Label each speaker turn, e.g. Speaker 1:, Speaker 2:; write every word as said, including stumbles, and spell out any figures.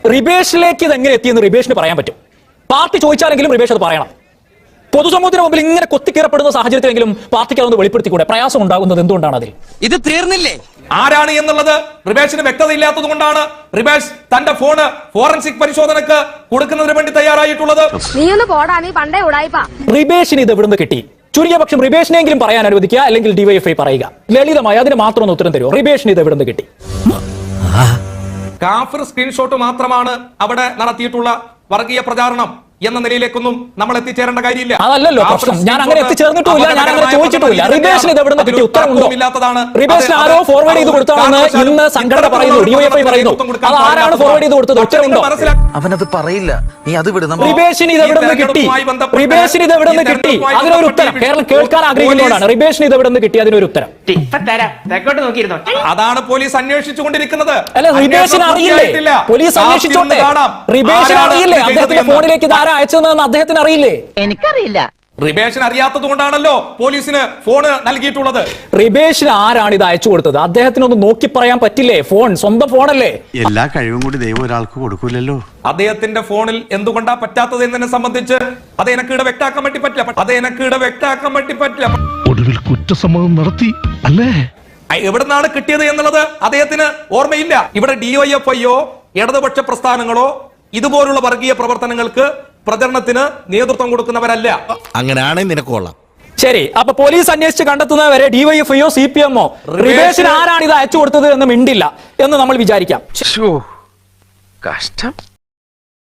Speaker 1: റിബേഷിലേക്ക് ഇത് എങ്ങനെ എത്തിയെന്ന് റിബേഷിന് പറയാൻ പറ്റും. പാർട്ടി ചോദിച്ചാലെങ്കിലും റിബേഷ് അത് പറയണം. പൊതുസമൂഹത്തിന് മുമ്പിൽ ഇങ്ങനെ കൊത്തിക്കേറപ്പെടുന്ന സാഹചര്യത്തിലെങ്കിലും പാർട്ടിക്ക് അതൊന്ന് വെളിപ്പെടുത്തിക്കൂടെ? പ്രയാസം ഉണ്ടാകുന്നത് എന്തുകൊണ്ടാണ് അതിൽ? ഇത് തീർന്നില്ലേ?
Speaker 2: ആരാണ് എന്നുള്ളത് റിബേഷിന് വ്യക്തത ഇല്ലാത്തത് കൊണ്ടാണ് റിബേഷ് തന്റെ ഫോണ് ഫോറൻസിക് പരിശോധനക്ക് കൊടുക്കുന്നതിന് വേണ്ടി തയ്യാറായിട്ടുള്ളത്.
Speaker 1: റിബേഷിന് ഇത് എവിടുന്ന് കിട്ടി? ചുരുങ്ങിയ പക്ഷം റിബേഷിനെങ്കിലും പറയാൻ അനുവദിക്കുക, അല്ലെങ്കിൽ ഡിവൈഎഫ്ഐ പറയുക. ലളിതമായി അതിന് മാത്രം ഒന്ന് ഉത്തരം തരുമോ? റിബേഷിന് ഇത് എവിടുന്ന് കിട്ടി?
Speaker 2: കാഫിർ സ്ക്രീൻഷോട്ട് മാത്രമാണ് അവിടെ നടത്തിയിട്ടുള്ള വർഗീയ പ്രചാരണം എന്ന നിലയിലേക്കൊന്നും നമ്മൾ എത്തിച്ചേരേണ്ട കാര്യമില്ല.
Speaker 1: അതല്ലല്ലോ പ്രശ്നം. ഞാൻ അങ്ങനെ എത്തിച്ചേർന്നിട്ടുമില്ല, ഞാൻ അങ്ങനെ ചോദിച്ചിട്ടുമില്ല. റിബേഷിന് ഇത് എവിടുന്ന് കിട്ടി? ഉത്തരമുണ്ടോ? റിബേഷിന് ആരോ ഫോർവേഡ് ചെയ്ത് കൊടുത്താണെന്ന് ഇന്ന് സംഘടന പറയുന്നു, ഡിവൈഎഫ്ഐ പറയുന്നു. അത് ആരാണ് ഫോർവേഡ് ചെയ്ത് കൊടുത്തത്? ഉത്തരമുണ്ടോ?
Speaker 3: അവനത് പറയില്ല, നീ അത് വിടുന്നു.
Speaker 1: റിബേഷിന് ഇത് എവിടുന്ന് കിട്ടി? റിബേഷിന് ഇത് എവിടുന്ന് കിട്ടി? അതിനൊരു ഉത്തരം കേരളം കേൾക്കാൻ ആഗ്രഹിക്കുന്നതാണ്. റിബേഷിന് ഇത് എവിടുന്ന് കിട്ടി? അതിനൊരു ഉത്തരം.
Speaker 2: അതാണ് പോലീസ് അന്വേഷിച്ചുകൊണ്ടിരിക്കുന്നത്.
Speaker 1: അല്ല, റിബേഷിന് അറിയില്ലേ? പോലീസ് അന്വേഷിച്ചോട്ടെ. റിബേഷിന് അറിയില്ലേ അദ്ദേഹത്തിന്റെ ഫോണിലേക്ക് ഇത് ആരാ അയച്ചതെന്ന് അദ്ദേഹത്തിന് അറിയില്ലേ?
Speaker 4: എനിക്കറിയില്ല.
Speaker 2: റിബേഷിന് അറിയാത്തത് കൊണ്ടാണല്ലോ പോലീസിന് ഫോണ് നൽകിയിട്ടുള്ളത്.
Speaker 1: റിബേഷിന് ആരാണ് ഇത് അയച്ചു കൊടുത്തത്? അദ്ദേഹത്തിനൊന്ന് നോക്കി പറയാൻ പറ്റില്ലേ? ഫോൺ സ്വന്തം ഫോണല്ലേ?
Speaker 5: എല്ലാ കഴിവും കൂടി ദൈവം ഒരാൾക്ക് കൊടുക്കൂലല്ലോ.
Speaker 2: അദ്ദേഹത്തിന്റെ ഫോണിൽ എന്തുകൊണ്ടാ പറ്റാത്തത് എന്നതിനെ സംബന്ധിച്ച് അത് എനിക്ക് ഇവിടെ വ്യക്താക്കാൻ വേണ്ടി പറ്റില്ല. അത് എനിക്ക് ഇവിടെ വ്യക്താക്കാൻ വേണ്ടി പറ്റില്ല.
Speaker 6: ഒടുവിൽ കുറ്റസമ്മതം നടത്തി അല്ലേ?
Speaker 2: എവിടുന്നാണ് കിട്ടിയത് എന്നുള്ളത് അദ്ദേഹത്തിന് ഓർമ്മയില്ല. ഇവിടെ ഡിവൈഎഫ്ഐയോ ഇടതുപക്ഷ പ്രസ്ഥാനങ്ങളോ ഇതുപോലുള്ള വർഗീയ പ്രവർത്തനങ്ങൾക്ക് പ്രചരണത്തിന് നേതൃത്വം കൊടുക്കുന്നവരല്ല.
Speaker 3: അങ്ങനെയാണെങ്കിൽ നിനക്ക് കൊള്ളാം.
Speaker 1: ശരി, അപ്പൊ പോലീസ് അന്വേഷിച്ച് കണ്ടെത്തുന്നവരെ ഡിവൈഎഫ്ഐയോ സി പി എമ്മോ റിബേഷിന് ആരാണ് ഇത് അയച്ചു കൊടുത്തത് എന്ന് മിണ്ടില്ല എന്ന് നമ്മൾ വിചാരിക്കാം.
Speaker 3: കഷ്ടം.